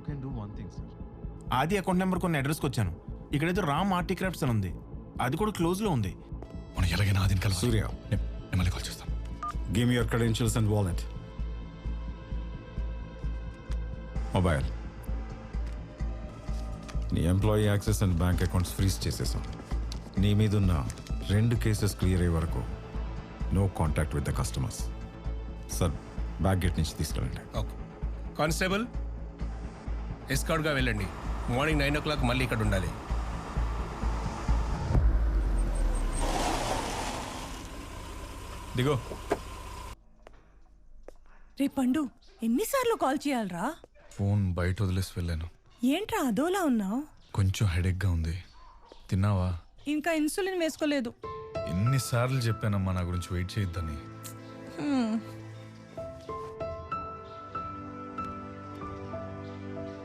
can do one thing, sir. ఆది account number కొన్ని అడ్రస్కి వచ్చాను. ఇక్కడైతే రామ్ ఆర్టీ క్రాఫ్ట్స్ అని ఉంది, అది కూడా క్లోజ్లో ఉంది. మనం ఎలాగైనా ఆదిని కలిసి సూర్య, నేను మళ్ళీ కాల్ చేస్తాను. give me your credentials and wallet. Mobile. నీ employee access and bank accounts freeze చేసేసాం. నీ మీదున్న 2 కేసెస్ క్లియర్ అయ్యే వరకు no contact with the customers. Sir, back gate నుంచి తీసుకెళ్ళండి. ఓకే కానిస్టేబుల్, ఎస్కార్ట్గా వెళ్ళండి. మార్నింగ్ 9 o'clock మళ్ళీ ఇక్కడ ఉండాలి. దిగో. రే పండు, ఎన్నిసార్లు కాల్ చేయాలరా? ఫోన్ బయట వదిలేసి వెళ్ళాను. ఏంట్రా అదోలా ఉన్నావు? కొంచెం హెడేక్గా ఉంది. తిన్నావా? ఇంకా ఇన్సులిన్ వేసుకోలేదు. ఎన్నిసార్లు చెప్పానమ్మా నా గురించి వెయిట్ చేయొద్దని.